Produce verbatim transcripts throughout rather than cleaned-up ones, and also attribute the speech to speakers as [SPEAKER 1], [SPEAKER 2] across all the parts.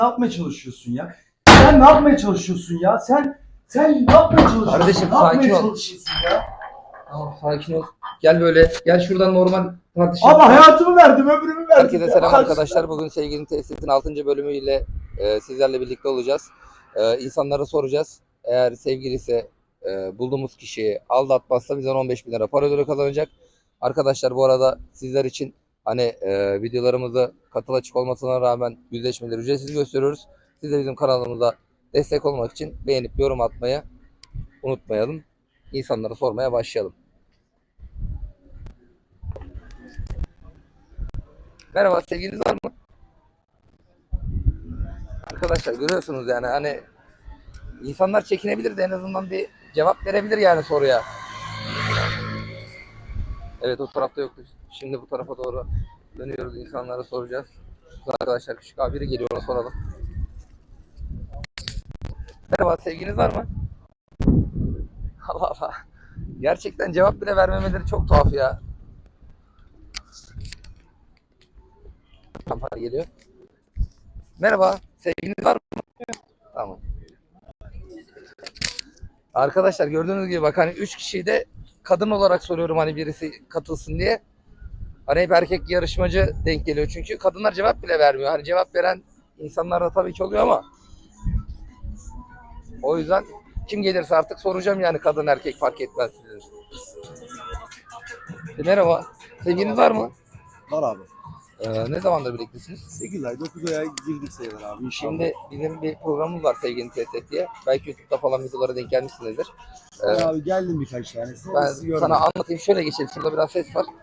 [SPEAKER 1] Ne yapmaya çalışıyorsun ya? Sen ne yapmaya çalışıyorsun ya? Sen sen ne yapmaya çalışıyorsun?
[SPEAKER 2] Kardeşim,
[SPEAKER 1] ne yapmaya
[SPEAKER 2] sakin ol.
[SPEAKER 1] çalışıyorsun ya?
[SPEAKER 2] Tamam, sakin ol. Gel böyle. Gel şuradan normal tartışalım.
[SPEAKER 1] Ama hayatımı verdim, ömrümü verdim.
[SPEAKER 2] Herkese
[SPEAKER 1] ya.
[SPEAKER 2] selam
[SPEAKER 1] Bak-
[SPEAKER 2] arkadaşlar. Bugün Sevginin Tesis'in altıncı bölümüyle e, sizlerle birlikte olacağız. E, insanlara soracağız. Eğer sevgilisi e, bulduğumuz kişiyi aldatmazsa bizden on beş bin lira para ödülü kazanacak. Arkadaşlar, bu arada sizler için hani e, videolarımızı katıl açık olmasına rağmen yüzleşmeleri ücretsiz gösteriyoruz. Siz de bizim kanalımıza destek olmak için beğenip yorum atmayı unutmayalım. İnsanlara sormaya başlayalım. Merhaba, sevgiliniz var mı? Arkadaşlar, görüyorsunuz yani hani insanlar çekinebilir de en azından bir cevap verebilir yani soruya. Evet, o tarafta yoktu. Şimdi bu tarafa doğru dönüyoruz, insanlara soracağız. Arkadaşlar, küçük abi biri geliyor, ona soralım. Merhaba, sevgiliniz var mı? Allah Allah. Gerçekten cevap bile vermemeleri çok tuhaf ya. Tamam, geliyor. Merhaba, sevgiliniz var mı? Tamam. Arkadaşlar, gördüğünüz gibi bak, hani üç kişiyi de kadın olarak soruyorum, hani birisi katılsın diye. Hani hep erkek yarışmacı denk geliyor çünkü kadınlar cevap bile vermiyor. Hani cevap veren insanlar da tabii ki oluyor ama o yüzden kim gelirse artık soracağım yani, kadın erkek fark etmez sizin. E, merhaba. Sevgiliniz var mı?
[SPEAKER 1] Var abi.
[SPEAKER 2] Ee, ne zamandır birliktesiniz?
[SPEAKER 1] sekiz ay dokuz aya girdik sayılır abi inşallah.
[SPEAKER 2] Şimdi bizim bir programımız var, Sevginin Test Et diye. Belki YouTube'da falan videolara denk gelmişsinizdir. Ee,
[SPEAKER 1] Ben abi geldim birkaç tanesi.
[SPEAKER 2] ben
[SPEAKER 1] Sizi görmedim.
[SPEAKER 2] sana anlatayım. Şöyle geçelim. Şurada biraz ses var.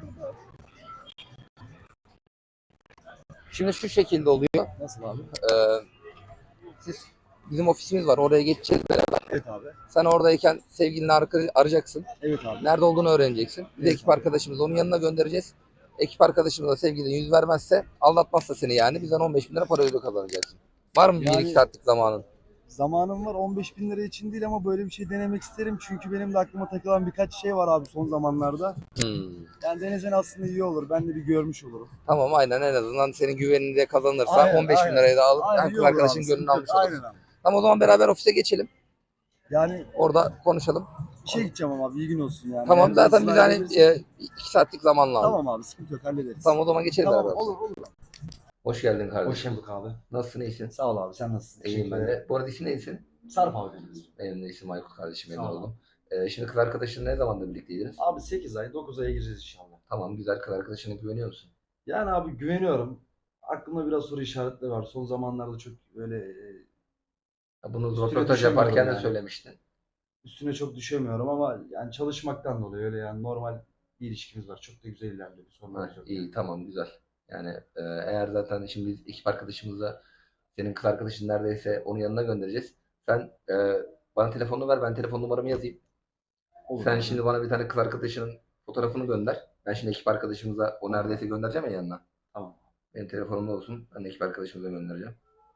[SPEAKER 2] Şimdi şu şekilde oluyor.
[SPEAKER 1] Nasıl abi?
[SPEAKER 2] Ee, siz bizim ofisimiz var. Oraya geçeceğiz beraber.
[SPEAKER 1] Evet abi.
[SPEAKER 2] Sen oradayken sevgilini ar- arayacaksın.
[SPEAKER 1] Evet abi.
[SPEAKER 2] Nerede olduğunu öğreneceksin. Biz
[SPEAKER 1] Evet
[SPEAKER 2] ekip
[SPEAKER 1] abi.
[SPEAKER 2] arkadaşımızı onun yanına göndereceğiz. Ekip arkadaşımız da sevgilin yüz vermezse, aldatmazsa seni yani, bizden on beş bin lira para ödülü kazanacaksın. Var mı bir
[SPEAKER 1] Yani-
[SPEAKER 2] iki saatlik zamanın?
[SPEAKER 1] Zamanım var, on beş bin lira için değil ama böyle bir şey denemek isterim. Çünkü benim de aklıma takılan birkaç şey var abi son zamanlarda.
[SPEAKER 2] Hmm.
[SPEAKER 1] Yani denesen aslında iyi olur. Ben de bir görmüş olurum.
[SPEAKER 2] Tamam, aynen, en azından senin güvenini de kazanırsa
[SPEAKER 1] Aynen,
[SPEAKER 2] on beş bin
[SPEAKER 1] aynen.
[SPEAKER 2] lirayı da alıp
[SPEAKER 1] Aynen,
[SPEAKER 2] hem
[SPEAKER 1] iyi
[SPEAKER 2] kız
[SPEAKER 1] olur
[SPEAKER 2] arkadaşın
[SPEAKER 1] abi,
[SPEAKER 2] gönlünü
[SPEAKER 1] sıkıntı yok.
[SPEAKER 2] almış olursun.
[SPEAKER 1] Aynen abi.
[SPEAKER 2] Tamam, o zaman beraber ofise geçelim.
[SPEAKER 1] Yani
[SPEAKER 2] Orada konuşalım.
[SPEAKER 1] bir şey gideceğim ama abi, iyi gün olsun yani.
[SPEAKER 2] Tamam,
[SPEAKER 1] Eğer
[SPEAKER 2] zaten
[SPEAKER 1] izin
[SPEAKER 2] biz hani
[SPEAKER 1] verebilirsek-
[SPEAKER 2] e, iki saatlik zaman lazım.
[SPEAKER 1] Tamam abi, sıkıntı yok, hallederiz.
[SPEAKER 2] Tamam, o zaman geçelim
[SPEAKER 1] Tamam,
[SPEAKER 2] beraber.
[SPEAKER 1] olur olur.
[SPEAKER 2] Hoş geldin
[SPEAKER 1] Hoş
[SPEAKER 2] kardeşim.
[SPEAKER 1] bulduk abi.
[SPEAKER 2] Nasılsın, iyisin?
[SPEAKER 1] Sağ ol abi, sen nasılsın?
[SPEAKER 2] İyiyim ben de. Bu arada isim neysin?
[SPEAKER 1] Sarp abi dediniz.
[SPEAKER 2] Benim de isim Aykut kardeşim,
[SPEAKER 1] Sağ
[SPEAKER 2] memnun
[SPEAKER 1] ol.
[SPEAKER 2] oldum. Ee, şimdi kız arkadaşın ne zamandır birlikteydiniz?
[SPEAKER 1] Abi sekiz ay dokuz aya gireceğiz inşallah.
[SPEAKER 2] Tamam, güzel, kız arkadaşına güveniyor musun?
[SPEAKER 1] Yani abi güveniyorum. Aklımda biraz soru işaretleri var. Son zamanlarda çok böyle e,
[SPEAKER 2] Ya bunu
[SPEAKER 1] Üstüne
[SPEAKER 2] röportaj
[SPEAKER 1] düşemiyorum
[SPEAKER 2] yaparken de
[SPEAKER 1] yani.
[SPEAKER 2] söylemiştin.
[SPEAKER 1] üstüne çok düşemiyorum ama yani çalışmaktan dolayı öyle yani normal bir ilişkimiz var. Çok da güzel ilerliyor. Bir
[SPEAKER 2] Ha,
[SPEAKER 1] sorunumuz yok.
[SPEAKER 2] iyi, tamam, güzel. Yani e, eğer zaten şimdi biz ekip arkadaşımızla senin kız arkadaşın neredeyse onun yanına göndereceğiz. Sen e, bana telefonunu ver, ben telefon numaramı yazayım.
[SPEAKER 1] Olur
[SPEAKER 2] Sen
[SPEAKER 1] abi.
[SPEAKER 2] şimdi bana bir tane kız arkadaşının fotoğrafını gönder. Ben şimdi ekip arkadaşımıza o neredeyse göndereceğim ya yanına.
[SPEAKER 1] Tamam.
[SPEAKER 2] Benim telefonumda olsun. Ben de ekip arkadaşımıza göndereceğim.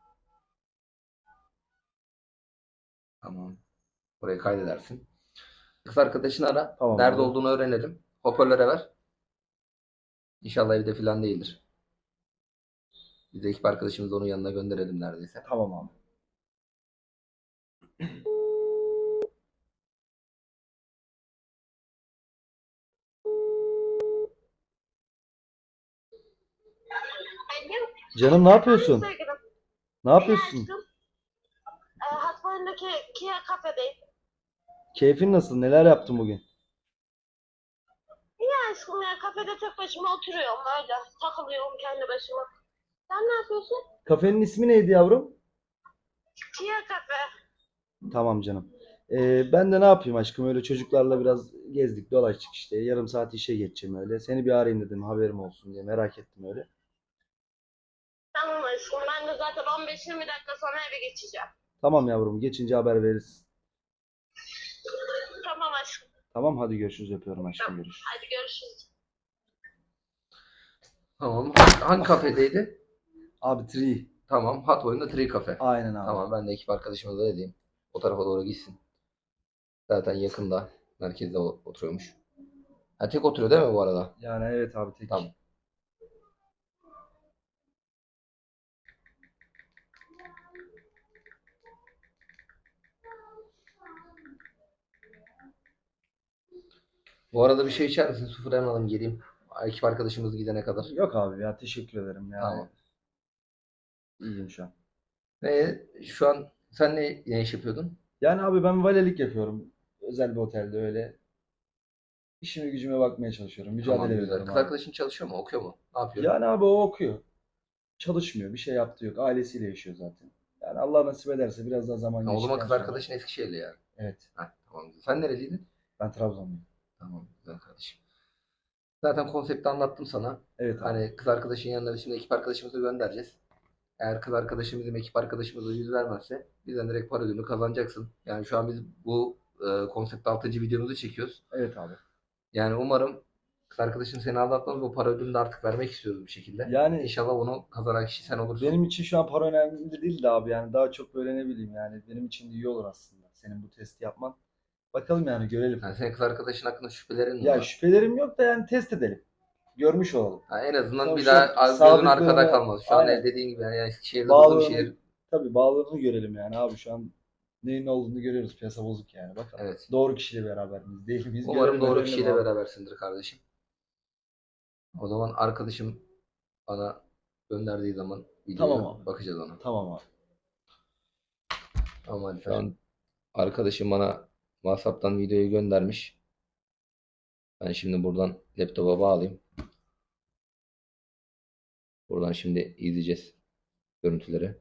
[SPEAKER 2] Tamam. Burayı kaydedersin. Kız arkadaşını ara.
[SPEAKER 1] Tamam
[SPEAKER 2] Nerede
[SPEAKER 1] abi.
[SPEAKER 2] olduğunu öğrenelim. Hoparlöre ver. İnşallah evde falan değildir. Biz de ekip arkadaşımızı onun yanına gönderelim neredeyse.
[SPEAKER 1] Tamam abi. Canım ne yapıyorsun?
[SPEAKER 3] Sevgilim.
[SPEAKER 1] Ne yapıyorsun?
[SPEAKER 3] İyi aşkım. E, Hatboy'undaki Kia kafedeyim.
[SPEAKER 1] Keyfin nasıl? Neler yaptın bugün?
[SPEAKER 3] İyi aşkım ya, kafede tek başıma oturuyorum öyle. Takılıyorum kendi başıma. Sen ne yapıyorsun?
[SPEAKER 1] Kafenin ismi neydi yavrum?
[SPEAKER 3] Kia kafe.
[SPEAKER 1] Tamam canım. Ee, ben de ne yapayım aşkım, öyle çocuklarla biraz gezdik dolaştık işte. Yarım saat işe geçeceğim öyle. Seni bir arayayım dedim, haberim olsun diye, merak ettim öyle.
[SPEAKER 3] Tamam aşkım, ben de zaten on beş yirmi dakika sonra eve geçeceğim.
[SPEAKER 1] Tamam yavrum, geçince haber veririz.
[SPEAKER 3] Tamam aşkım.
[SPEAKER 1] Tamam, hadi görüşürüz, öpüyorum aşkım,
[SPEAKER 3] Tamam.
[SPEAKER 1] görüşürüz.
[SPEAKER 3] Hadi görüşürüz.
[SPEAKER 2] Tamam. Hangi, hangi kafedeydi?
[SPEAKER 1] Abi Tree.
[SPEAKER 2] Tamam. Hat boyunda Tree Cafe.
[SPEAKER 1] Aynen abi.
[SPEAKER 2] Tamam, ben de ekip arkadaşımıza da edeyim. O tarafa doğru gitsin. Zaten yakında. Merkezde o- oturuyormuş. Ha, tek oturuyor değil mi bu arada?
[SPEAKER 1] Yani evet abi, tek.
[SPEAKER 2] Tamam. Bu arada bir şey içer misin? Su falan alalım geleyim. Ekip arkadaşımız gidene kadar.
[SPEAKER 1] Yok abi ya, teşekkür ederim yani.
[SPEAKER 2] Tamam.
[SPEAKER 1] İyiyim şu an.
[SPEAKER 2] Ve şu an sen ne, ne iş yapıyordun?
[SPEAKER 1] Yani abi ben valelik yapıyorum. Özel bir otelde öyle. İşime gücüme bakmaya çalışıyorum.
[SPEAKER 2] Tamam,
[SPEAKER 1] Mücadele
[SPEAKER 2] güzel.
[SPEAKER 1] veriyorum
[SPEAKER 2] Kız
[SPEAKER 1] abi.
[SPEAKER 2] arkadaşın çalışıyor mu? Okuyor mu? Ne yapıyor?
[SPEAKER 1] Yani abi o okuyor. Çalışmıyor. Bir şey yaptığı yok. Ailesiyle yaşıyor zaten. Yani Allah nasip ederse biraz daha zaman
[SPEAKER 2] Ha, o zaman
[SPEAKER 1] geçtikten
[SPEAKER 2] kız
[SPEAKER 1] sonra.
[SPEAKER 2] arkadaşın Eskişehirli yani.
[SPEAKER 1] Evet.
[SPEAKER 2] Heh, tamam. Sen nereliydin?
[SPEAKER 1] Ben Trabzonluyum.
[SPEAKER 2] Tamam, güzel kardeşim. Zaten konsepti anlattım sana.
[SPEAKER 1] Evet abi.
[SPEAKER 2] Hani kız arkadaşın yanına biz şimdi ekip arkadaşımızı göndereceğiz. Eğer kız arkadaşım bizim ekip arkadaşımıza yüz vermezse bizden direkt para ödülünü kazanacaksın. Yani şu an biz bu e, konsept altıncı videomuzu çekiyoruz.
[SPEAKER 1] Evet abi.
[SPEAKER 2] Yani umarım kız arkadaşın seni aldatmaz, bu para ödülünü de artık vermek istiyoruz bir şekilde.
[SPEAKER 1] Yani
[SPEAKER 2] İnşallah bunu kazanan kişi sen olursun.
[SPEAKER 1] benim için şu an para önemli değil de abi, yani daha çok böyle ne bileyim, yani benim için de iyi olur aslında senin bu testi yapman. Bakalım yani, görelim.
[SPEAKER 2] Yani senin kız arkadaşın hakkında şüphelerin mi
[SPEAKER 1] Ya
[SPEAKER 2] var?
[SPEAKER 1] şüphelerim yok da yani test edelim. Görmüş olalım.
[SPEAKER 2] Ha, en azından
[SPEAKER 1] Tabii
[SPEAKER 2] bir
[SPEAKER 1] şu
[SPEAKER 2] daha
[SPEAKER 1] an
[SPEAKER 2] az gözün arkada
[SPEAKER 1] sadıklığını,
[SPEAKER 2] kalmaz. Şu an
[SPEAKER 1] aynen,
[SPEAKER 2] dediğin gibi yani Eskişehir'de huzur
[SPEAKER 1] bağlılığını,
[SPEAKER 2] şehir.
[SPEAKER 1] tabii bağlılığını görelim yani abi, şu an neyin ne olduğunu görüyoruz. Piyasa bozuk yani. Bakalım.
[SPEAKER 2] Evet.
[SPEAKER 1] Doğru kişiyle beraber miyiz? Değil miyiz?
[SPEAKER 2] Umarım
[SPEAKER 1] Görelim,
[SPEAKER 2] doğru
[SPEAKER 1] öğrenelim
[SPEAKER 2] kişiyle
[SPEAKER 1] abi.
[SPEAKER 2] berabersindir kardeşim. O zaman arkadaşım bana gönderdiği zaman videoya
[SPEAKER 1] Tamam abi.
[SPEAKER 2] bakacağız ona.
[SPEAKER 1] Tamam abi.
[SPEAKER 2] Tamam, şu an arkadaşım bana WhatsApp'tan videoyu göndermiş. Ben şimdi buradan laptopa bağlayayım. Buradan şimdi izleyeceğiz görüntüleri.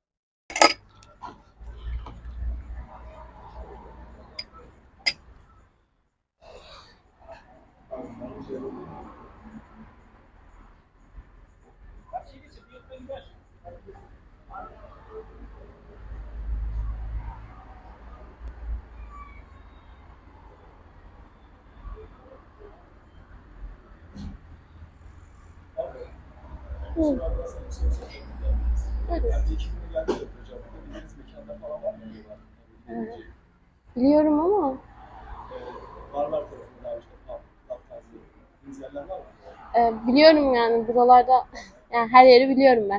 [SPEAKER 4] Hı. Evet. Evet. Biliyorum ama e, biliyorum yani buralarda yani her yeri biliyorum ben.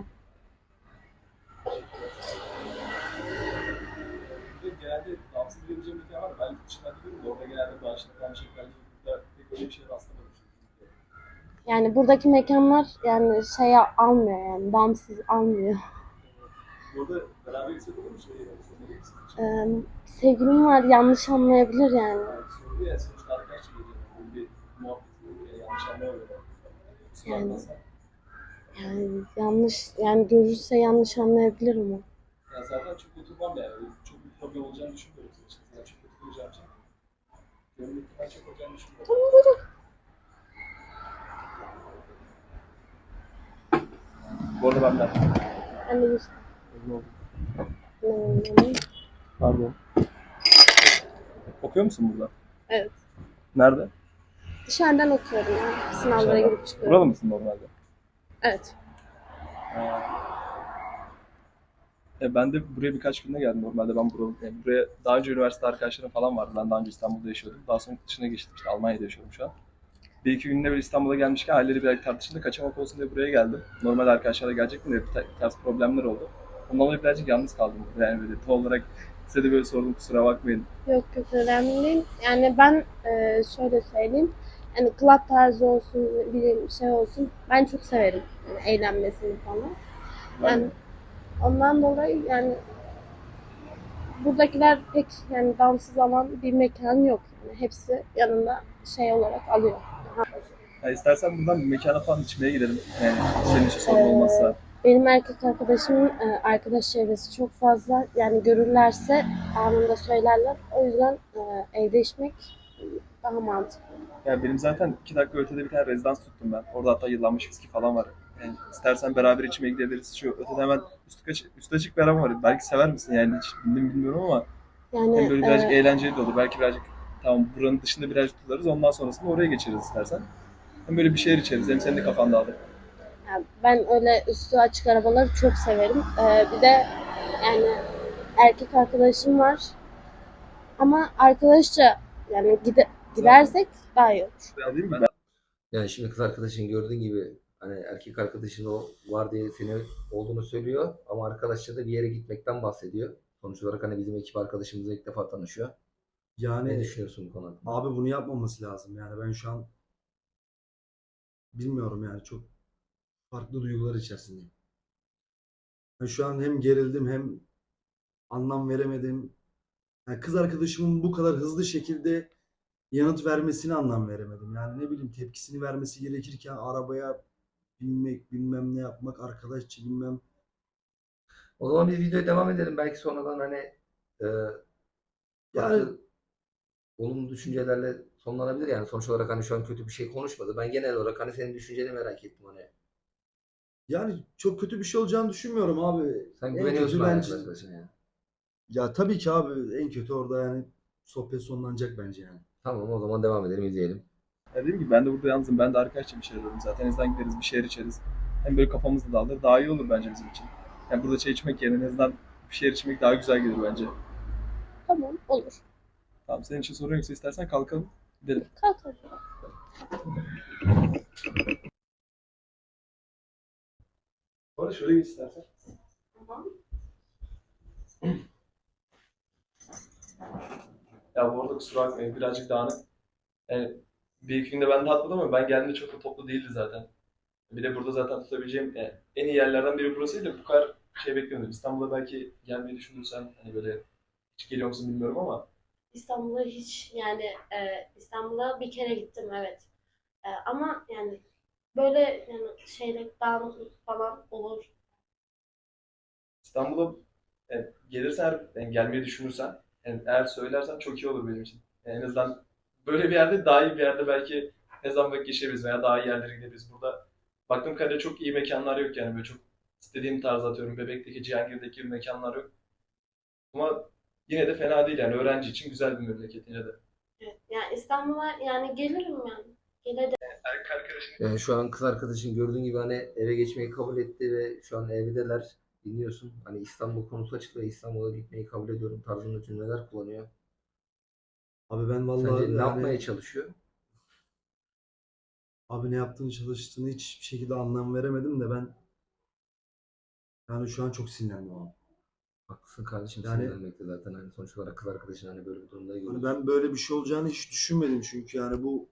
[SPEAKER 5] Genelde dans edebileceğim bir yer var. Ben yurt dışından biliyorum da orada genelde bağışlanan şekerli burada pek öyle bir şeye rastlamadım.
[SPEAKER 4] Yani buradaki mekanlar yani şey almıyor yani damsız almıyor.
[SPEAKER 5] Burada beraber gitsek olur mu? Şey, söyleyebilir misiniz?
[SPEAKER 4] E, sevgilim var yanlış anlayabilir yani.
[SPEAKER 5] Sordu ya sonuçta arkadaşça geliyor. Böyle bir muhabbet, böyle yanlış anlamıyor.
[SPEAKER 4] Yani, yani yanlış yani görürse yanlış anlayabilir ama.
[SPEAKER 5] Ya zaten çok oturmam yani. Çok bir problem olacağını düşünmüyorum. Yani çok oturacağım için. Gönüllülükten çok olacağını düşünmüyorum.
[SPEAKER 4] Tamam buyurun.
[SPEAKER 5] Bu arada benden.
[SPEAKER 4] Ben de güzel.
[SPEAKER 5] Pardon. Okuyor musun burada?
[SPEAKER 4] Evet.
[SPEAKER 5] Nerede?
[SPEAKER 4] Dışarıdan okuyorum ya. Sınavlara
[SPEAKER 5] Dışarıdan.
[SPEAKER 4] girip çıkıyorum.
[SPEAKER 5] Buralı mısın normalde?
[SPEAKER 4] Evet.
[SPEAKER 5] E, ben de buraya birkaç günde geldim. Normalde ben buraya, yani buraya daha önce üniversite arkadaşlarım falan vardı. Ben daha önce İstanbul'da yaşıyordum. Daha sonra yurt dışına geçtim. İşte Almanya'da yaşıyorum şu an. Bir iki günde böyle İstanbul'a gelmişken halleri biraz tartışınca kaçamak olsun diye buraya geldim. Normal arkadaşlarla gelecektim de bir ta- ters problemler oldu. Ondan dolayı birazcık yalnız kaldım. Yani böyle tam olarak size de böyle sordum, kusura bakmayın.
[SPEAKER 4] Yok yok önemli değil. Yani ben e, şöyle söyleyeyim. Yani club tarzı olsun, bir şey olsun. Ben çok severim. Yani eğlenmesini falan.
[SPEAKER 5] Ben
[SPEAKER 4] Yani ondan dolayı yani buradakiler pek yani damsız alan bir mekan yok. Yani hepsi yanında şey olarak alıyor.
[SPEAKER 5] yani istersen buradan bir mekana falan içmeye gidelim. Yani senin için sorun
[SPEAKER 4] Ee,
[SPEAKER 5] olmazsa.
[SPEAKER 4] Benim erkek arkadaşımın e, arkadaş çevresi çok fazla. Yani görürlerse anında söylerler. O yüzden e, evde içmek daha mantıklı.
[SPEAKER 5] Yani benim zaten iki dakika ötede bir tane rezidans tuttum ben. Orada hatta yıllanmış viski falan var. Yani istersen beraber içmeye gidebiliriz. Şu ötede hemen üstü açık, üstü açık bir araba var. Belki sever misin yani, hiç bildim bilmiyorum ama
[SPEAKER 4] Yani
[SPEAKER 5] hem böyle birazcık
[SPEAKER 4] e,
[SPEAKER 5] eğlenceli de olur. Belki birazcık tamam buranın dışında birazcık tutarız. Ondan sonrasında oraya geçeriz istersen. Hem böyle bir şeyler içeriz. Hem senin de kafan dağılır.
[SPEAKER 4] yani ben öyle üstü açık arabaları çok severim. E, bir de yani erkek arkadaşım var. Ama arkadaşça yani gide, gidersek daha iyi olur.
[SPEAKER 5] Alayım mı ben?
[SPEAKER 2] Yani şimdi kız arkadaşın gördüğün gibi hani erkek arkadaşın o var diye seni olduğunu söylüyor ama arkadaşça da bir yere gitmekten bahsediyor. Sonuç olarak hani bizim ekip arkadaşımızla ilk defa tanışıyor.
[SPEAKER 1] Yani
[SPEAKER 2] Ne düşünüyorsun bu konu hakkında?
[SPEAKER 1] abi bunu yapmaması lazım. Yani ben şu an bilmiyorum yani çok farklı duygular içerisindeyim. Ben şu an hem gerildim hem anlam veremedim. Yani kız arkadaşımın bu kadar hızlı şekilde yanıt vermesine anlam veremedim. Yani ne bileyim tepkisini vermesi gerekirken arabaya binmek, bilmem ne yapmak, arkadaşça bilmem.
[SPEAKER 2] O zaman biz videoya devam edelim. Belki sonradan hani e,
[SPEAKER 1] Yani
[SPEAKER 2] farklı olumlu düşüncelerle sonlanabilir yani. Sonuç olarak hani şu an kötü bir şey konuşmadı. Ben genel olarak hani senin düşünceni merak ettim hani.
[SPEAKER 1] yani çok kötü bir şey olacağını düşünmüyorum abi.
[SPEAKER 2] Sen
[SPEAKER 1] En
[SPEAKER 2] güveniyorsun
[SPEAKER 1] kötü
[SPEAKER 2] hani
[SPEAKER 1] bence
[SPEAKER 2] kız arkadaşına yani.
[SPEAKER 1] ya tabii ki abi en kötü orada yani sohbet sonlanacak bence yani.
[SPEAKER 2] Tamam, o zaman devam edelim, izleyelim.
[SPEAKER 5] Ya dediğim gibi ben de burada yalnızım. Ben de arkadaşça bir şey arıyorum zaten. En azından gideriz bir şeyler içeriz. Hem böyle kafamız da dağılır. Daha iyi olur bence bizim için. Yani burada çay içmek yerine en azından bir şeyler içmek daha güzel gelir bence.
[SPEAKER 4] Tamam, olur.
[SPEAKER 5] Tamam, senin için sorun yoksa istersen kalkalım. Gidelim.
[SPEAKER 4] Kalkalım.
[SPEAKER 5] Bu arada şöyle git istersen.
[SPEAKER 4] Tamam.
[SPEAKER 5] Ya bu arada kusura bakmayın birazcık dağınık. Yani bir iki günde ben de atladım ama ben geldiğimde çok da toplu değildi zaten. Bir de burada zaten tutabileceğim yani en iyi yerlerden biri burasıydı. Bu kadar şey beklemiyordum. İstanbul'a belki gelmeyi düşünürsen hani böyle hiç geliyor musun bilmiyorum ama
[SPEAKER 4] İstanbul'a hiç yani e, İstanbul'a bir kere gittim, evet. E, ama yani böyle yani şeyle dağınıklık falan olur.
[SPEAKER 5] İstanbul'a yani gelirsen eğer yani gelmeyi düşünürsen yani eğer söylersen çok iyi olur benim için. Yani en azından böyle bir yerde daha iyi bir yerde belki ne zaman vakit geçirebiliriz veya daha iyi yerlere gidebiliriz. Burada baktığım kadarıyla çok iyi mekanlar yok yani böyle çok istediğim tarz atıyorum. Bebek'teki, Cihangir'deki gibi mekanlar yok. Ama yine de fena değil yani öğrenci için güzel bir memleket yine de.
[SPEAKER 4] Evet. Yani İstanbul'a yani gelirim yani. Gelebilirim.
[SPEAKER 5] Erkek arkadaşın
[SPEAKER 2] Yani şu an kız arkadaşın gördüğün gibi hani eve geçmeyi kabul etti ve şu an evdeler. Dinliyorsun. Hani İstanbul konusu açık ve İstanbul'a gitmeyi kabul ediyorum tarzında cümleler kullanıyor.
[SPEAKER 1] Abi ben vallahi
[SPEAKER 2] Sence ne yapmaya
[SPEAKER 1] yani
[SPEAKER 2] çalışıyor?
[SPEAKER 1] abi ne yaptığını çalıştığını hiçbir şekilde anlam veremedim de ben yani şu an çok sinirlendim abi.
[SPEAKER 2] Haklısın kardeşim,
[SPEAKER 1] Yani
[SPEAKER 2] sinirlenmekte zaten hani sonuç olarak kız arkadaşın hani böyle bir durumda
[SPEAKER 1] hani
[SPEAKER 2] görüyorsun.
[SPEAKER 1] ben böyle bir şey olacağını hiç düşünmedim çünkü yani bu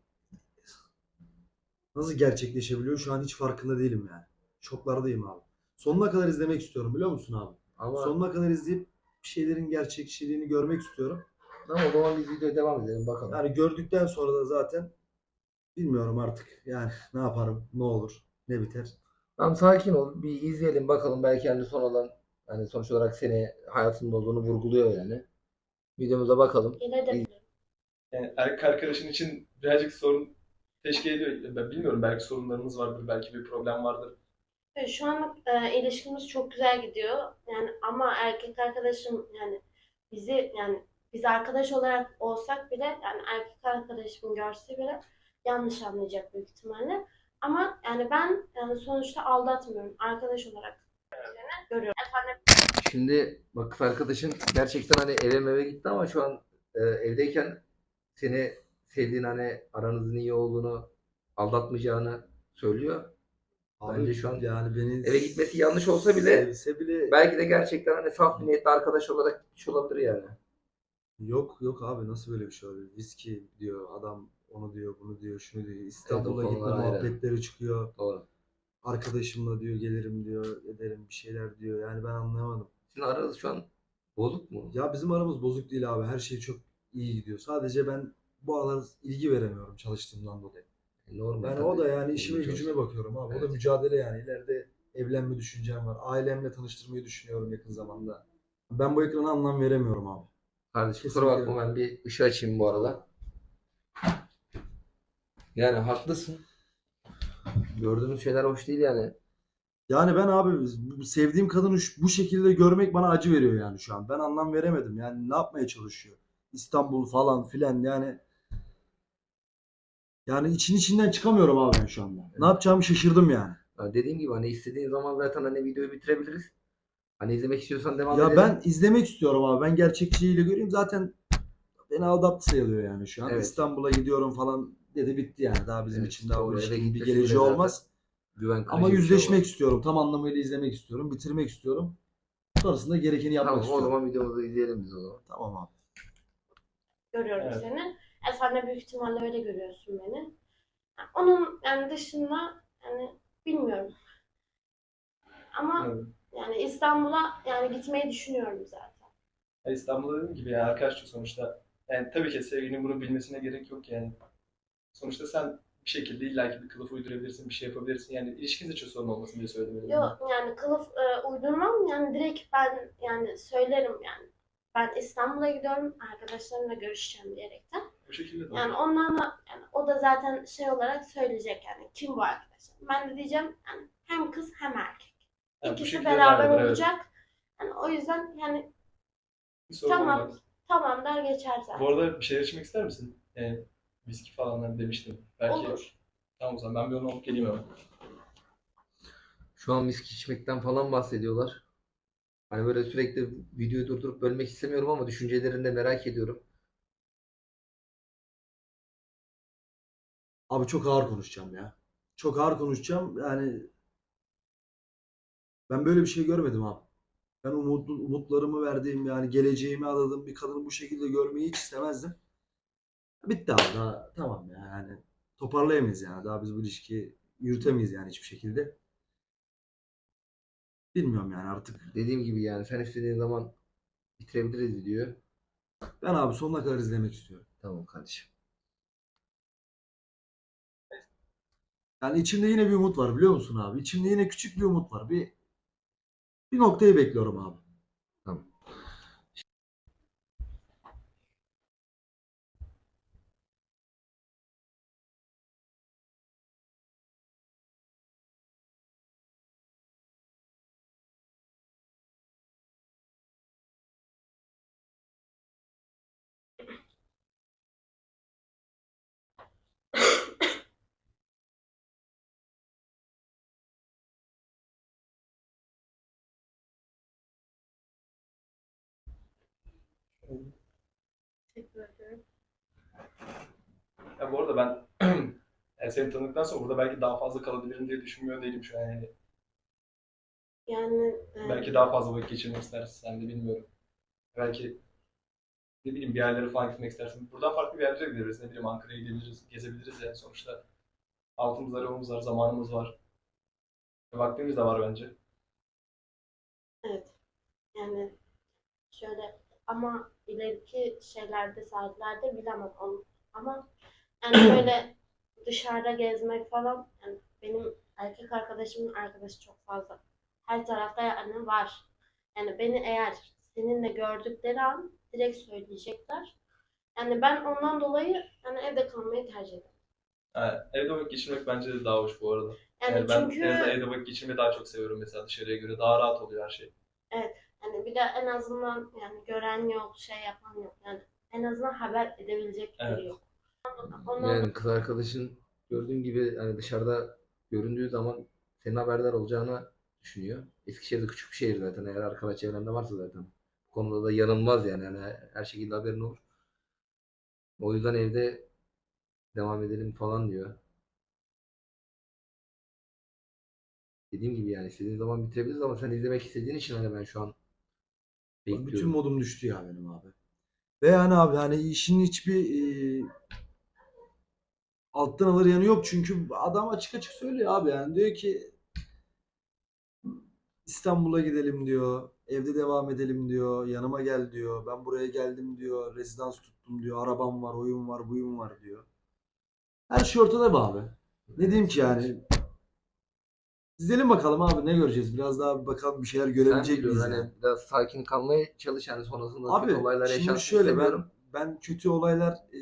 [SPEAKER 1] nasıl gerçekleşebiliyor şu an hiç farkında değilim yani. Şoklardayım abi. Sonuna kadar izlemek istiyorum biliyor musun abi?
[SPEAKER 2] Ama
[SPEAKER 1] Sonuna kadar izleyip bir şeylerin gerçekçiliğini görmek istiyorum.
[SPEAKER 2] ama o zaman biz videoya devam edelim bakalım.
[SPEAKER 1] Yani gördükten sonra da zaten bilmiyorum artık yani ne yaparım, ne olur, ne biter.
[SPEAKER 2] Tamam, sakin ol. Bir izleyelim bakalım, belki hani sonradan hani sonuç olarak seni hayatında olduğunu vurguluyor yani. Videomuza bakalım.
[SPEAKER 4] Gelebilirim.
[SPEAKER 5] yani erkek arkadaşın için birazcık sorun teşkil ediyor. Ben bilmiyorum belki sorunlarınız vardır, belki bir problem vardır.
[SPEAKER 4] Evet, şu an e, ilişkimiz çok güzel gidiyor. Yani ama erkek arkadaşım yani bizi yani biz arkadaş olarak olsak bile yani erkek arkadaşım görse bile yanlış anlayacak büyük ihtimalle. Ama yani ben yani sonuçta aldatmıyorum. Arkadaş olarak görüyorum. Efendim,
[SPEAKER 2] Şimdi bak, kız arkadaşın gerçekten hani eve meve gitti ama şu an e, evdeyken seni sevdiğini, hani aranızın iyi olduğunu, aldatmayacağını söylüyor.
[SPEAKER 1] Abi
[SPEAKER 2] Bence şu an
[SPEAKER 1] yani beni
[SPEAKER 2] eve gitmesi yanlış olsa bile
[SPEAKER 1] sevse bile
[SPEAKER 2] belki de gerçekten hani saf bir niyetle arkadaş olarak gitmiş olabilir yani.
[SPEAKER 1] yok yok abi nasıl böyle bir şey olabilir? Viski diyor adam onu diyor bunu diyor şunu diyor.
[SPEAKER 2] Evet, o
[SPEAKER 1] İstanbul'a gitme
[SPEAKER 2] konular ayrı.
[SPEAKER 1] muhabbetleri çıkıyor.
[SPEAKER 2] Doğru.
[SPEAKER 1] Arkadaşımla diyor gelirim diyor ederim bir şeyler diyor. Yani ben anlayamadım.
[SPEAKER 2] Sizin aranız şu an bozuk mu?
[SPEAKER 1] Ya bizim aramız bozuk değil abi. Her şey çok iyi gidiyor. Sadece ben bu aralar ilgi veremiyorum çalıştığımdan dolayı.
[SPEAKER 2] E, normal
[SPEAKER 1] Yani
[SPEAKER 2] tabii.
[SPEAKER 1] o da yani işime
[SPEAKER 2] Olunca
[SPEAKER 1] gücüme
[SPEAKER 2] olsun.
[SPEAKER 1] bakıyorum abi. O da
[SPEAKER 2] Evet.
[SPEAKER 1] mücadele yani. İleride evlenme düşüncem var. Ailemle tanıştırmayı düşünüyorum yakın zamanda. Ben bu ekrana anlam veremiyorum abi.
[SPEAKER 2] Kardeşim kusura
[SPEAKER 1] Kesinlikle.
[SPEAKER 2] bakma, ben bir ışığı açayım bu arada. Yani haklısın. Gördüğümüz şeyler hoş değil yani.
[SPEAKER 1] Yani ben abi bu- sevdiğim kadını şu- bu şekilde görmek bana acı veriyor yani şu an. Ben anlam veremedim. Yani ne yapmaya çalışıyor? İstanbul falan filan yani. Yani için içinden çıkamıyorum abi ben şu anda. Ne yapacağımı şaşırdım yani.
[SPEAKER 2] Ya dediğim gibi hani istediğin zaman zaten hani videoyu bitirebiliriz. Hani izlemek istiyorsan devam
[SPEAKER 1] Ya
[SPEAKER 2] edelim.
[SPEAKER 1] ben izlemek istiyorum abi. Ben gerçekçiliğiyle göreyim. Zaten beni aldattı sayılıyor yani şu an.
[SPEAKER 2] Evet.
[SPEAKER 1] İstanbul'a gidiyorum falan dedi bitti yani. Daha bizim
[SPEAKER 2] Evet,
[SPEAKER 1] için daha bu
[SPEAKER 2] doğru. Eve
[SPEAKER 1] ilişkinin bir
[SPEAKER 2] gitmesi bile
[SPEAKER 1] geleceği
[SPEAKER 2] zaten
[SPEAKER 1] olmaz.
[SPEAKER 2] güven kırıcı
[SPEAKER 1] Ama
[SPEAKER 2] bir şey
[SPEAKER 1] yüzleşmek
[SPEAKER 2] olur.
[SPEAKER 1] istiyorum. Tam anlamıyla izlemek istiyorum. Bitirmek istiyorum. Sonrasında gerekeni yapmak
[SPEAKER 2] Tamam, o
[SPEAKER 1] istiyorum.
[SPEAKER 2] zaman videomuzu izleyelim biz o zaman.
[SPEAKER 1] Tamam abi.
[SPEAKER 3] görüyorum
[SPEAKER 5] Evet.
[SPEAKER 3] seni. E, sen de büyük ihtimalle öyle görüyorsun beni. Yani onun yani dışında yani bilmiyorum. Ama
[SPEAKER 5] Evet.
[SPEAKER 3] yani İstanbul'a yani gitmeyi düşünüyorum zaten.
[SPEAKER 5] Ya İstanbul'da dediğim gibi yani arkadaşça sonuçta. Yani tabii ki sevgilinin bunu bilmesine gerek yok yani. Sonuçta sen bir şekilde illaki bir kılıf uydurabilirsin, bir şey yapabilirsin. Yani ilişkiniz için sorun olmasın diye söyledim. en azından.
[SPEAKER 3] Yok yani kılıf e, uydurmam yani direkt ben yani söylerim yani. Ben İstanbul'a gidiyorum arkadaşlarımla görüşeceğim diyerekten.
[SPEAKER 5] Bu şekilde de
[SPEAKER 3] Yani
[SPEAKER 5] olur.
[SPEAKER 3] onlarla yani o da zaten şey olarak söyleyecek yani kim bu arkadaşlar. Ben de diyeceğim yani hem kız hem erkek.
[SPEAKER 5] Yani bu
[SPEAKER 3] İkisi
[SPEAKER 5] şekilde
[SPEAKER 3] beraber
[SPEAKER 5] devam eder, evet.
[SPEAKER 3] olacak. Yani o yüzden yani
[SPEAKER 5] Bir sorun
[SPEAKER 3] tamam
[SPEAKER 5] olmaz.
[SPEAKER 3] tamam der geçer
[SPEAKER 5] Bu
[SPEAKER 3] zaten.
[SPEAKER 5] arada bir şeyler içmek ister misin? Yani viski falan hani demiştim. Belki
[SPEAKER 3] Olur.
[SPEAKER 5] tamam o zaman ben bir onu alıp geleyim hemen.
[SPEAKER 2] Şu an viski içmekten falan bahsediyorlar. Hani böyle sürekli videoyu durdurup bölmek istemiyorum ama düşüncelerini de merak ediyorum.
[SPEAKER 1] Abi çok ağır konuşacağım ya. Çok ağır konuşacağım. Yani ben böyle bir şey görmedim abi. Ben umut, umutlarımı verdiğim yani geleceğimi adadığım bir kadını bu şekilde görmeyi hiç istemezdim. Bitti abi daha tamam ya yani toparlayamayız yani daha biz bu ilişkiyi yürütemeyiz yani hiçbir şekilde. Bilmiyorum yani artık.
[SPEAKER 2] Dediğim gibi yani sen istediğin zaman bitirebiliriz diyor.
[SPEAKER 1] Ben abi sonuna kadar izlemek istiyorum.
[SPEAKER 2] Tamam kardeşim.
[SPEAKER 1] Yani içimde yine bir umut var biliyor musun abi? İçimde yine küçük bir umut var. Bir bir noktayı bekliyorum abi.
[SPEAKER 2] Tamam.
[SPEAKER 3] Teşekkür ederim.
[SPEAKER 5] Ya bu arada ben yani seni tanıdıktan sonra burada belki daha fazla kalabilirim diye düşünmüyor değilim şu an yani.
[SPEAKER 3] Yani
[SPEAKER 5] Belki
[SPEAKER 3] e,
[SPEAKER 5] daha fazla vakit geçirmek istersin sen de bilmiyorum. Belki ne bileyim bir yerlere falan gitmek istersin. Buradan farklı bir yerlere gideriz. Ne bileyim Ankara'ya gidebiliriz, gezebiliriz yani sonuçta. Altımızda yolumuz var, zamanımız var. Vaktimiz de var bence.
[SPEAKER 3] evet yani şöyle ama ileriki şeylerde saatlerde bilemem onu. Ama yani böyle dışarıda gezmek falan yani benim erkek arkadaşımın arkadaşı çok fazla. Her tarafta yani var. Yani beni eğer seninle gördükleri an direkt söyleyecekler. Yani ben ondan dolayı yani evde kalmayı tercih ederim.
[SPEAKER 5] Yani evde vakit geçirmek bence de daha hoş bu arada.
[SPEAKER 3] Yani
[SPEAKER 5] Yani ben
[SPEAKER 3] çünkü
[SPEAKER 5] en azından evde vakit geçirmeyi daha çok seviyorum mesela dışarıya göre. Daha rahat oluyor her şey.
[SPEAKER 3] evet yani bir de en azından yani gören yok, şey yapan yok. Yani en azından haber edebilecek biri
[SPEAKER 5] Evet.
[SPEAKER 3] yok. Ondan
[SPEAKER 2] Yani kız arkadaşın gördüğün gibi hani dışarıda göründüğü zaman senin haberdar olacağını düşünüyor. Eskişehir'de küçük bir şehir zaten. Eğer arkadaş çevrende varsa zaten. Bu konuda da yanılmaz yani. Yani her şekilde haberin olur. O yüzden evde devam edelim falan diyor. Dediğim gibi yani istediğin zaman bitirebiliriz ama sen izlemek istediğin için hani ben şu an
[SPEAKER 1] Bak bütün
[SPEAKER 2] bekliyorum.
[SPEAKER 1] modum düştü ya benim abi. Ve yani abi hani işin hiçbir e, alttan alır yanı yok çünkü adam açık açık söylüyor abi yani diyor ki İstanbul'a gidelim diyor. Evde devam edelim diyor. Yanıma gel diyor. Ben buraya geldim diyor. Rezidans tuttum diyor. Arabam var, oyun var, buyum var diyor. Her şey ortada be abi. Ne diyeyim ki yani? İzleyelim bakalım abi ne göreceğiz. Biraz daha bakalım bir şeyler
[SPEAKER 2] Sen
[SPEAKER 1] görebilecek
[SPEAKER 2] biliyorsun
[SPEAKER 1] miyiz yani?
[SPEAKER 2] hani biraz sakin kalmaya çalış yani sonrasında kötü
[SPEAKER 1] Abi
[SPEAKER 2] olaylar
[SPEAKER 1] şimdi
[SPEAKER 2] yaşansın
[SPEAKER 1] şöyle ben
[SPEAKER 2] istemiyorum.
[SPEAKER 1] ben kötü olaylar e,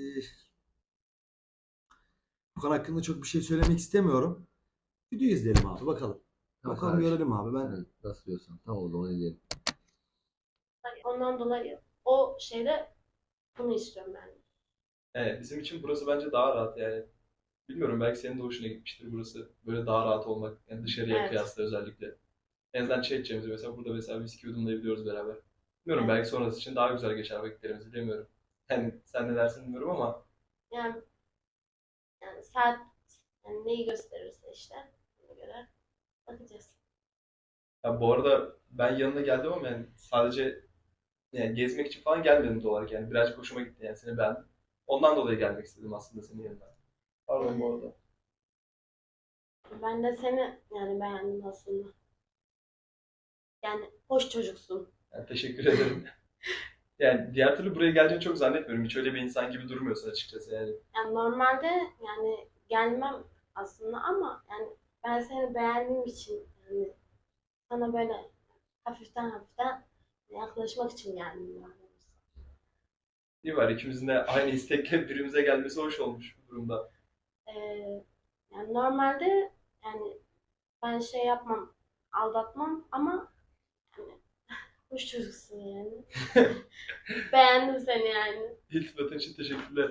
[SPEAKER 1] bu konu hakkında çok bir şey söylemek istemiyorum. Video izleyelim abi bakalım.
[SPEAKER 2] Tamam
[SPEAKER 1] Bakalım
[SPEAKER 2] kardeşim.
[SPEAKER 1] görelim abi. Ben
[SPEAKER 2] Sen nasıl diyorsan. Tamam o zaman izleyelim.
[SPEAKER 3] ondan dolayı o şeyde bunu istiyorum ben.
[SPEAKER 5] Evet, bizim için burası bence daha rahat yani. Bilmiyorum belki senin de hoşuna gitmiştir burası. Böyle daha rahat olmak. Yani dışarıya
[SPEAKER 3] Evet.
[SPEAKER 5] kıyasla özellikle. En azından çay içeceğimiz mesela burada mesela viski yudumlayabiliyoruz beraber. Bilmiyorum belki sonrası için daha güzel geçer vakitlerimiz bilemiyorum. Yani sen ne dersin bilmiyorum ama
[SPEAKER 3] Yani, yani saat yani neyi gösterirse işte ona göre bakacağız.
[SPEAKER 5] ya bu arada ben yanına geldim ama yani sadece Yani gezmek için falan gelmedim doğal olarak yani. Birazcık hoşuma gitti yani seni beğendim. Ondan dolayı gelmek istedim aslında senin yanına. Pardon bu arada.
[SPEAKER 3] Ben de seni yani beğendim aslında. Yani hoş çocuksun.
[SPEAKER 5] Yani teşekkür ederim. Yani diğer türlü buraya geleceğini çok zannetmiyorum. Hiç öyle bir insan gibi durmuyorsun açıkçası yani.
[SPEAKER 3] Yani normalde yani gelmem aslında ama yani ben seni beğendiğim için yani sana böyle hafiften hafiften yaklaşmak için geldim yani.
[SPEAKER 5] İyi var ikimizin de aynı istekle birbirimize gelmesi hoş olmuş bu durumda.
[SPEAKER 3] Ee, yani normalde yani ben şey yapmam, aldatmam ama yani hoş çocuksun yani. Beğendim seni yani.
[SPEAKER 5] İltifatın için teşekkürler.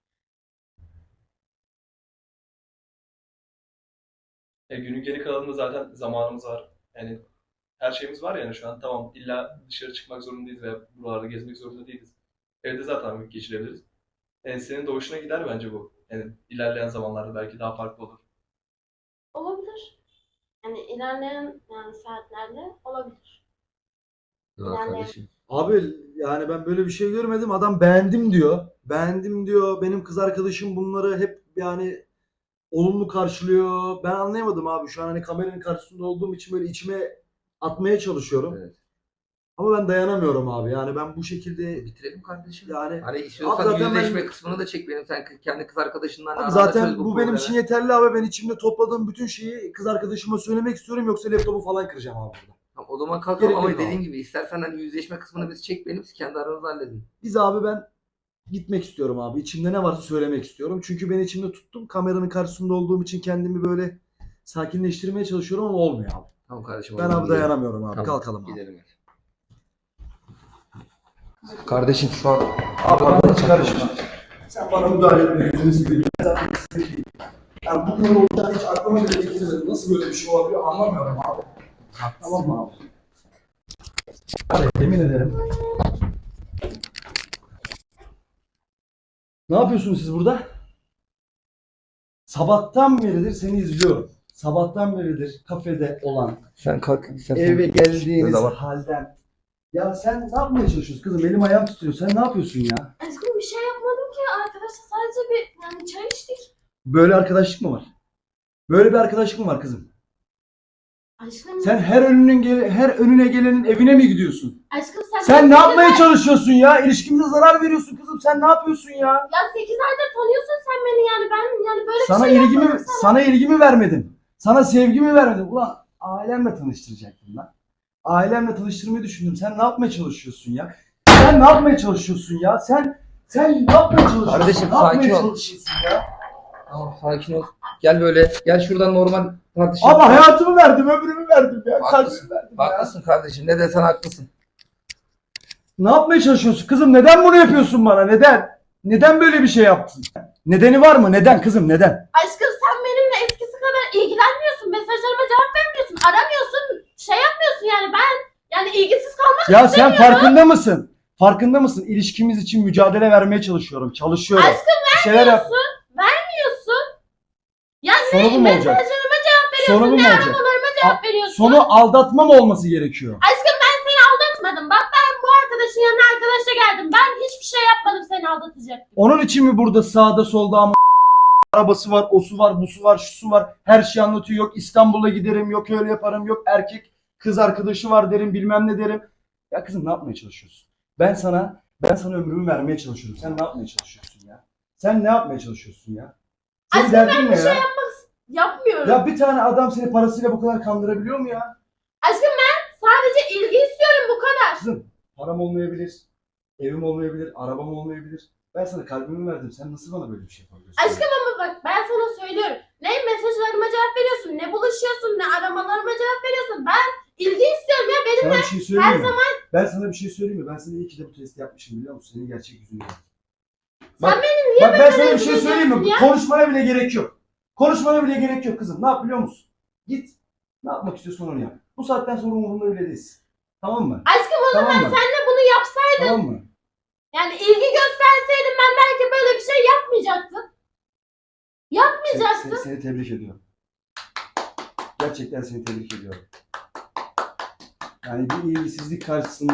[SPEAKER 5] Ya günün geri kalanında zaten zamanımız var. Yani her şeyimiz var yani şu an tamam illa dışarı çıkmak zorundayız veya buralarda gezmek zorunda değiliz. Evde zaten vakit geçirebiliriz. Yani senin de hoşuna gider bence bu. Yani ilerleyen zamanlarda belki daha farklı olur.
[SPEAKER 3] Olabilir. Yani ilerleyen yani saatlerde olabilir.
[SPEAKER 2] Yok
[SPEAKER 3] Yani-
[SPEAKER 2] kardeşim.
[SPEAKER 1] Abi yani ben böyle bir şey görmedim. Adam beğendim diyor. Beğendim diyor. Benim kız arkadaşım bunları hep yani olumlu karşılıyor. Ben anlayamadım abi. Şu an hani kameranın karşısında olduğum için böyle içime atmaya çalışıyorum.
[SPEAKER 2] Evet.
[SPEAKER 1] Ama ben dayanamıyorum abi. Yani ben bu şekilde
[SPEAKER 2] Bitirelim kardeşim.
[SPEAKER 1] yani
[SPEAKER 2] Hani istiyorsan
[SPEAKER 1] Abi zaten
[SPEAKER 2] yüzleşme
[SPEAKER 1] ben-
[SPEAKER 2] kısmını da çek benim. Sen kendi kız arkadaşından
[SPEAKER 1] abi
[SPEAKER 2] aranda
[SPEAKER 1] zaten
[SPEAKER 2] çöz
[SPEAKER 1] bu,
[SPEAKER 2] bu
[SPEAKER 1] benim
[SPEAKER 2] problemi.
[SPEAKER 1] için yeterli abi. Ben içimde topladığım bütün şeyi kız arkadaşıma söylemek istiyorum. Yoksa laptopu falan kıracağım abi burada.
[SPEAKER 2] Tamam, o zaman kalkalım
[SPEAKER 1] Gerek
[SPEAKER 2] ama
[SPEAKER 1] yok
[SPEAKER 2] dediğim
[SPEAKER 1] abi.
[SPEAKER 2] gibi istersen hani yüzleşme kısmını biz çek benim. Siz kendi aranızda halledin.
[SPEAKER 1] Biz abi ben gitmek istiyorum abi. İçimde ne varsa söylemek istiyorum. Çünkü ben içimde tuttum. Kameranın karşısında olduğum için kendimi böyle sakinleştirmeye çalışıyorum ama olmuyor abi.
[SPEAKER 2] Tamam kardeşim. o
[SPEAKER 1] Ben
[SPEAKER 2] zaman
[SPEAKER 1] abi
[SPEAKER 2] gidelim.
[SPEAKER 1] dayanamıyorum abi.
[SPEAKER 2] Tamam,
[SPEAKER 1] Kalkalım abi.
[SPEAKER 2] Gidelim hadi. Kardeşim şu an
[SPEAKER 1] Abi bana hiç karışma. Sen bana müdahale etme. Yüzünü seveyim. Ben zaten istediğim. Yani bu kadar olacağını hiç aklıma bile getirmedim. Nasıl böyle bir şey olabiliyor anlamıyorum abi. Tamam mı abi? Hadi yemin ederim. Ne yapıyorsunuz siz burada? Sabahtan beridir seni izliyorum. Sabahtan beridir kafede olan,
[SPEAKER 2] sen kalk. istersen
[SPEAKER 1] eve
[SPEAKER 2] geç.
[SPEAKER 1] geldiğiniz
[SPEAKER 2] Zaman.
[SPEAKER 1] halden. Ya sen ne yapmaya çalışıyorsun kızım? Elim ayağım titriyor. Sen ne yapıyorsun ya?
[SPEAKER 4] Aşkım bir şey yapmadım ki. Arkadaşlar sadece bir yani çay içtik.
[SPEAKER 1] Böyle arkadaşlık mı var? Böyle bir arkadaşlık mı var kızım?
[SPEAKER 4] Aşkım,
[SPEAKER 1] Sen her önünün gele- her önüne gelenin evine mi gidiyorsun?
[SPEAKER 4] aşkım sen,
[SPEAKER 1] Sen ne
[SPEAKER 4] beni
[SPEAKER 1] yapmaya
[SPEAKER 4] sekiz ay-
[SPEAKER 1] çalışıyorsun ya? İlişkimize zarar veriyorsun kızım. Sen ne yapıyorsun ya?
[SPEAKER 4] Ya sekiz aydır tanıyorsun sen beni yani ben yani böyle
[SPEAKER 1] Sana
[SPEAKER 4] bir şey
[SPEAKER 1] ilgimi
[SPEAKER 4] yapmadım sana.
[SPEAKER 1] sana ilgimi vermedin. Sana sevgimi vermedim. Ulan ailemle tanıştıracaktım lan. Ailemle tanıştırmayı düşündüm. Sen ne yapmaya çalışıyorsun ya? Sen ne yapmaya çalışıyorsun ya? Sen sen ne yapmaya çalışıyorsun?
[SPEAKER 2] Kardeşim,
[SPEAKER 1] ne yapmaya
[SPEAKER 2] sakin ol.
[SPEAKER 1] çalışıyorsun ya?
[SPEAKER 2] Tamam sakin ol. Gel böyle. Gel şuradan normal tartışalım.
[SPEAKER 1] Ama hayatımı verdim, ömrümü verdim ya.
[SPEAKER 2] Haklısın.
[SPEAKER 1] Kalbimi verdim ya.
[SPEAKER 2] Haklısın kardeşim. Ne desen haklısın.
[SPEAKER 1] Ne yapmaya çalışıyorsun kızım? Neden bunu yapıyorsun bana? Neden? Neden böyle bir şey yaptın? Nedeni var mı? Neden kızım? Neden?
[SPEAKER 4] Aşkım sen benimle eskisi kadar ilgilenmiyorsun. Mesajlarıma cevap vermiyorsun. Aramıyorsun. Şey yapmıyorsun yani ben yani ilgisiz kalmak
[SPEAKER 1] Ya sen farkında mısın? Farkında mısın? İlişkimiz için mücadele vermeye çalışıyorum. Çalışıyorum.
[SPEAKER 4] Aşkım
[SPEAKER 1] Bir şeyler yap.
[SPEAKER 4] vermiyorsun. Ya
[SPEAKER 1] Sonu bu
[SPEAKER 4] ne
[SPEAKER 1] mu olacak?
[SPEAKER 4] mesajlarıma cevap
[SPEAKER 1] Sonu bu
[SPEAKER 4] veriyorsun
[SPEAKER 1] mu
[SPEAKER 4] ne
[SPEAKER 1] olacak?
[SPEAKER 4] aramalarıma cevap veriyorsun.
[SPEAKER 1] Sonu aldatma mı olması gerekiyor?
[SPEAKER 4] Aşkım ben seni aldatmadım. Bak ben bu arkadaşın yanına arkadaşa geldim. Ben hiçbir şey yapmadım seni aldatacaktım.
[SPEAKER 1] Onun için mi burada sağda solda ama arabası var, osu var, busu var, şusu var. Her şeyi anlatıyor. Yok İstanbul'a giderim, yok öyle yaparım, yok erkek kız arkadaşı var derim, bilmem ne derim. Ya kızım ne yapmaya çalışıyorsun? Ben sana ben sana ömrümü vermeye çalışıyorum. Sen ne yapmaya çalışıyorsun ya? Sen ne yapmaya çalışıyorsun ya? Senin
[SPEAKER 4] Aşkım
[SPEAKER 1] derdin
[SPEAKER 4] ben
[SPEAKER 1] ne
[SPEAKER 4] bir
[SPEAKER 1] ya?
[SPEAKER 4] şey yapmak yapmıyorum.
[SPEAKER 1] Ya bir tane adam seni parasıyla bu kadar kandırabiliyor mu ya?
[SPEAKER 4] Aşkım ben sadece ilgi istiyorum bu kadar.
[SPEAKER 1] Kızım param olmayabilir, evim olmayabilir, arabam olmayabilir. Ben sana kalbimi verdim. Sen nasıl bana böyle bir şey yapabiliyorsun?
[SPEAKER 4] Aşkım ama bak ben sana söylüyorum. Ne mesajlarıma cevap veriyorsun, ne buluşuyorsun, ne aramalarıma cevap veriyorsun. Ben ilgi istiyorum ya benim.
[SPEAKER 1] Sana bir şey söyleyeyim
[SPEAKER 4] her
[SPEAKER 1] mi? Ben sana bir şey söyleyeyim mi? Ben sana iyi ki de bu testi yapmışım biliyor musun? Senin gerçek yüzünü gördüm.
[SPEAKER 4] Sen
[SPEAKER 1] beni niye bak, ben sana bir şey
[SPEAKER 4] rezil
[SPEAKER 1] söyleyeyim mi?
[SPEAKER 4] ediyorsun ya?
[SPEAKER 1] Konuşmana bile gerek yok. Konuşmana bile gerek yok kızım. Ne yap biliyor musun? Git. Ne yapmak istiyorsan onu yap. Bu saatten sonra umurumda bile değilsin. Tamam mı?
[SPEAKER 4] Aşkım o
[SPEAKER 1] Tamam
[SPEAKER 4] zaman
[SPEAKER 1] mı?
[SPEAKER 4] senle bunu yapsaydın,
[SPEAKER 1] Tamam mı?
[SPEAKER 4] yani ilgi gösterseydin ben belki böyle bir şey yapmayacaktım.
[SPEAKER 1] Seni,
[SPEAKER 4] Yapmayacaktım.
[SPEAKER 1] seni, seni tebrik ediyorum. Gerçekten seni tebrik ediyorum. Yani bir ilgisizlik karşısında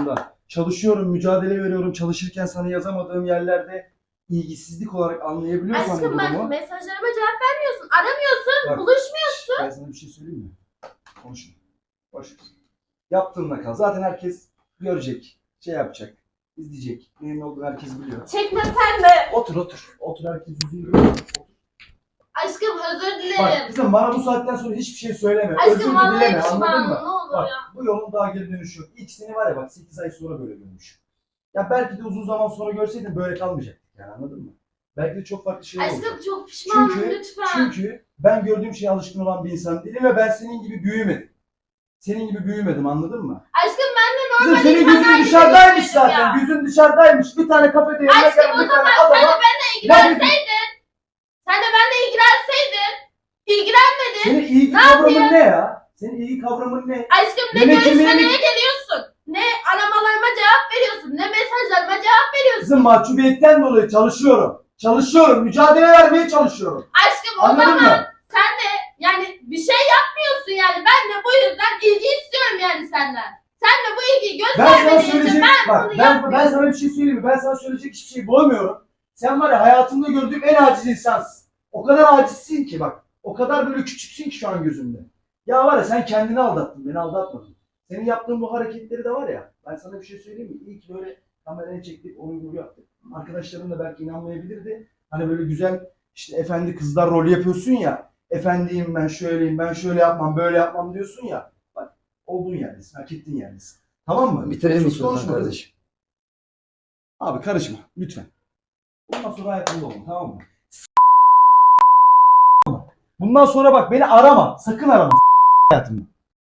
[SPEAKER 1] çalışıyorum, mücadele veriyorum. Çalışırken sana yazamadığım yerlerde ilgisizlik olarak anlayabiliyorsan bu
[SPEAKER 3] Aşkım bak
[SPEAKER 1] durumu.
[SPEAKER 3] mesajlarıma cevap vermiyorsun. Aramıyorsun.
[SPEAKER 1] Bak,
[SPEAKER 3] Buluşmuyorsun.
[SPEAKER 1] Ben sana bir şey söyleyeyim mi? Konuşma. Boş ver. Yaptığınla kal. Zaten herkes görecek, şey yapacak, izleyecek. Neyin ne olduğunu herkes biliyor.
[SPEAKER 3] Çekmesen de.
[SPEAKER 1] Otur otur. Otur herkes yüzünü görüyor.
[SPEAKER 3] Aşkım özür
[SPEAKER 1] Bak
[SPEAKER 3] dilerim.
[SPEAKER 1] kızım bana bu saatten sonra hiçbir şey söyleme.
[SPEAKER 3] Aşkım
[SPEAKER 1] Özür de
[SPEAKER 3] vallahi
[SPEAKER 1] dileme, anladın
[SPEAKER 3] pişmanım.
[SPEAKER 1] mı?
[SPEAKER 3] Ne olur
[SPEAKER 1] Bak
[SPEAKER 3] ya.
[SPEAKER 1] bu yolun daha geri dönüşü yok. İlk seni var ya bak sekiz ay sonra böyle görmüş. Ya belki de uzun zaman sonra görseydin böyle kalmayacaktık yani, anladın mı? Belki de çok farklı şeyler olacak.
[SPEAKER 3] Aşkım çok pişmanım
[SPEAKER 1] Çünkü,
[SPEAKER 3] lütfen.
[SPEAKER 1] çünkü ben gördüğüm şeye alışkın olan bir insan değilim ve ben senin gibi büyümedim. Senin gibi büyümedim, anladın mı?
[SPEAKER 3] Aşkım ben de
[SPEAKER 1] Kızım
[SPEAKER 3] normal
[SPEAKER 1] senin
[SPEAKER 3] insanlar
[SPEAKER 1] gözün
[SPEAKER 3] gibi
[SPEAKER 1] dışarıdaymış
[SPEAKER 3] büyümedim
[SPEAKER 1] zaten.
[SPEAKER 3] ya.
[SPEAKER 1] Gözün dışarıdaymış. Bir tane kafede yemek
[SPEAKER 3] Aşkım
[SPEAKER 1] yapan
[SPEAKER 3] o
[SPEAKER 1] bir tane
[SPEAKER 3] zaman sen de
[SPEAKER 1] adama...
[SPEAKER 3] benimle ilgilenseydin. Sen de benimle ilgilenseydin. İlgilenmedin.
[SPEAKER 1] Senin ilgi
[SPEAKER 3] Ne
[SPEAKER 1] kavramın
[SPEAKER 3] yapayım?
[SPEAKER 1] ne ya? Senin ilgi kavramın ne?
[SPEAKER 3] Aşkım ne
[SPEAKER 1] Yemek
[SPEAKER 3] görüşmelere
[SPEAKER 1] yemeğini-
[SPEAKER 3] geliyorsun. Ne aramalarıma cevap veriyorsun. Ne mesajlarıma cevap veriyorsun.
[SPEAKER 1] Kızım mahcubiyetten dolayı çalışıyorum. Çalışıyorum. Mücadele vermeye çalışıyorum.
[SPEAKER 3] Aşkım o
[SPEAKER 1] Anladın
[SPEAKER 3] zaman
[SPEAKER 1] mı?
[SPEAKER 3] sen de yani bir şey yapmıyorsun yani. Ben de bu yüzden ilgi istiyorum yani senden. Sen de bu ilgiyi
[SPEAKER 1] Ben sana
[SPEAKER 3] göstermediğin için
[SPEAKER 1] söyleyecek,
[SPEAKER 3] ben
[SPEAKER 1] bak
[SPEAKER 3] bunu
[SPEAKER 1] ben,
[SPEAKER 3] yapmıyorum.
[SPEAKER 1] ben sana bir şey söyleyeyim mi? Ben sana söyleyecek hiçbir şey bulamıyorum. Sen var ya hayatımda gördüğüm en aciz insansın. O kadar acizsin ki bak. O kadar böyle küçüksün ki şu an gözümde. Ya var ya sen kendini aldattın, beni aldatmadın. Senin yaptığın bu hareketleri de var ya. Ben sana bir şey söyleyeyim mi? İyi ki böyle kameraya çektik, onu bunu yaptık. Arkadaşlarım da belki inanmayabilirdi. Hani böyle güzel işte efendi kızlar rolü yapıyorsun ya. Efendiyim ben şöyleyim, ben şöyle yapmam, böyle yapmam diyorsun ya. Bak olduğun yerdesin, hak ettiğin yerdesin. Tamam mı?
[SPEAKER 2] Bitirelim
[SPEAKER 1] Sus,
[SPEAKER 2] istiyorsan
[SPEAKER 1] konuşma
[SPEAKER 2] kardeşim.
[SPEAKER 1] Abi karışma lütfen. Bundan sonra hayatımda olun, tamam mı? Bundan sonra bak beni arama. Sakın arama hayatımda.